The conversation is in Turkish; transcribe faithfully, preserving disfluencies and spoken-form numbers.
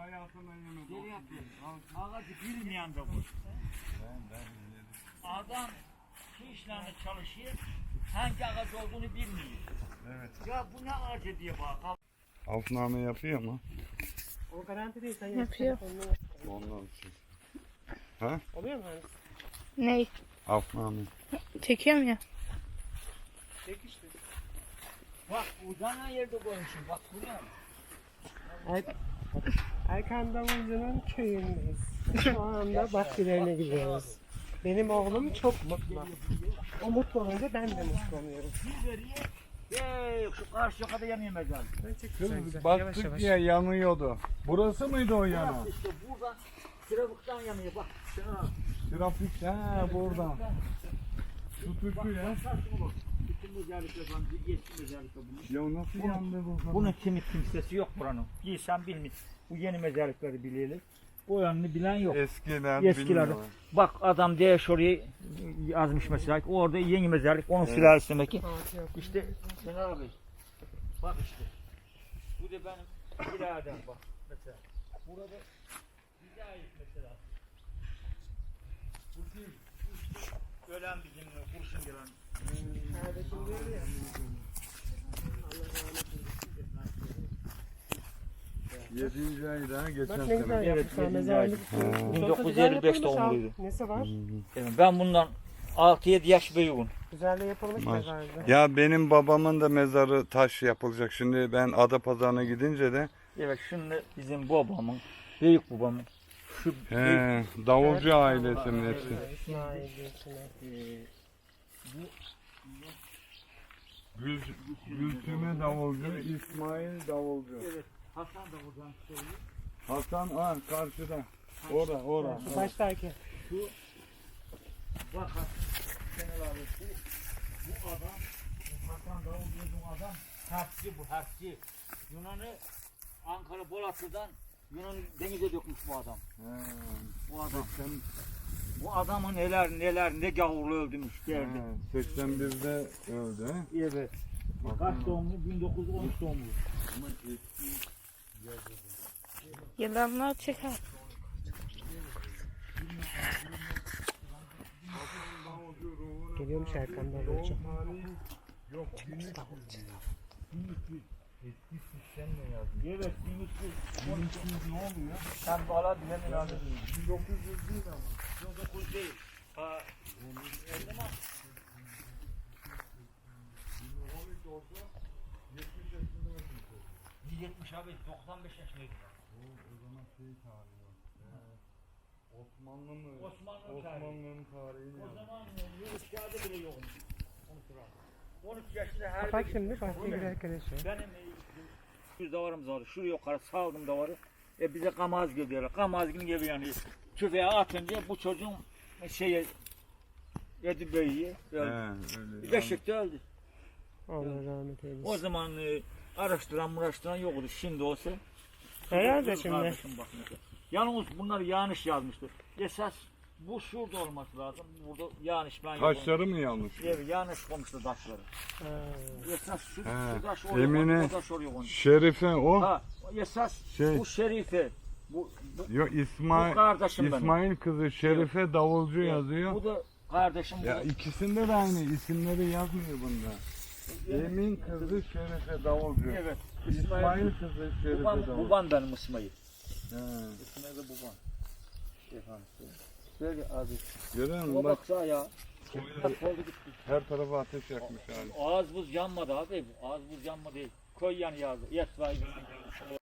hayatına yemin. Geri yapıyorum. Ağacı bilmeyen de bu. Adam şu işlerle çalışıyor, hangi ağaç olduğunu bilmiyor. Evet. Ya bu ne ağacı diye bak. Altıname yapıyor mu? O garanti değil. Sen Yapıyor. Ondan için. Ha? Oluyor mu mühendis? Ney? Altıname. Çekiyorum ya. Çek işte. Bak uzana yerde koymuşum, bak bu ne? Er Erkan Davulcu'nun köyündeyiz. Şu anda bahçelerine gidiyoruz. Benim oğlum çok mutlu. O mutlu olunca ben de mutlu oluyorum. Bir veriyor, yeee şu karşı kadar yanıyor mezar. Ben çekeceğim. Kız Yavaş baktık yavaş. ya yanıyordu. Burası mıydı o yana? Burası işte buradan, Sıravıktan yanıyor bak. Şuna. Trafik ha buradan. Şu tuşu ya. Bütün özellikle falan, eski özellikle bunun. Ya nasıl Bunun- yandı bu kadar? Bunun kimi kimsesi yok buranın. Giysen bilmiyor. Bu yeni mezarlıkları bilelim. Bu yanını bilen yok. Eskiler Eskiler. bilmiyorlar. Bak adam diye şuraya yazmış mesela. Orada yeni mezarlık. Onun sülalesi demek ki. İşte Şener abi. Bak işte. Bu da benim biradem bak. Mesela. Burada bize ait mesela. Bu kim? Bu işte ölen bizimle kurşun gelen. Kardeşim diyor ya. Yedinci ayda geçen Bak ne güzel sene. yapmışlar yedinci mezarlık. ayda. Çok da bin dokuz yüz güzel elli beş yapılmış ha. doğumluydu. Nesi var? Yani ben bundan altı yedi yaş büyüğüm. Güzel de yapılmış Maş- mezarlık. Ya benim babamın da mezarı taş yapılacak. Şimdi ben Adapazarı'na gidince de Evet şimdi bizim babamın, büyük babamın şu büyük, he, davulcu ailesinin Evet. hepsi. İsmail diyorsun. e, Gül, Gülsüme davulcu, İsmail davulcu. evet Hasan da buradan söylüyor. Hasan ha karşıda. Ora ora. Şu baştaki. Şu bak Hasan Şenol abi bu, bu adam bu Hasan Davulcu'nun adam harfçi bu harfçi. Yunan'ı Ankara Bolatlı'dan Yunan denize dökmüş bu adam. He. Bu adam. Bu adamın neler neler ne gavurlu öldürmüş derdi. He, seksen birde öldü. he? Evet. Kaç doğumlu? bin dokuz yüz on üç doğumlu. Ama eski Yılanlar çeker. Geliyormuş Erkan Davulcu. yok. Evet, bin üç yüz on üç ne oluyor? Sen bala bilemin abi. bin dokuz yüz değil ama. bin dokuz yüz değil. Ha, o zaman on üç olsa yetmiş yaşında ölmüş. yüz yetmiş abi, doksan beş yaşındaydı. O, o zaman şey tarihi var. Ee, Osmanlı mı? Osmanlı tarihi. Osmanlı'nın tarihini O yazmış. zaman yürüyüş kağıdı bile yokmuş. onu sıra. on üç yaşında her Bak bir- şimdi bahçeye girerken yaşıyor. Benim yüz davarımız vardı. Şuraya yukarı saldım davarı. E bize kamaz geliyorlar. Kamazgın gibi yani. Tüfeğe atınca bu çocuğun şeye yedi böğüye öldü. He, öyle. Beşikte öldü. Allah rahmet eylesin. O zaman e, araştıran araştıran yoktu. Şimdi olsa. Herhalde şimdi. Kardeşim bak mesela. Yalnız bunlar yanlış yazmıştır. Esas bu şurada olması lazım. Burada yanlış ben Taşları mı yanlış? Evet, yanlış koymuşlar taşları. Ha. Esas şu, He, şu taş oraya Emine- koymuş, bu taş oraya koymuş. Şerife o. Ha, esas Şey- bu şerife. Bu, bu, Yok İsmail bu kardeşim benim. İsmail kızı Şerife davulcu yazıyor. Bu da kardeşim bu. Ya ikisinde de aynı isimleri yazmıyor bunda. Emin kızı Şerife davulcu. Evet. İsmail kızı Şerife Babam, davulcu. babam benim İsmail. He. İsmail de babam. Efendim. Böyle abi. Görüyor O musun? Bak baksa ya. Hep oldu gitti. her tarafa ateş yakmış hali. Ağız buz yanmadı abi. Ağız buz yanmadı. Koy yanı yazdı. Yes vay.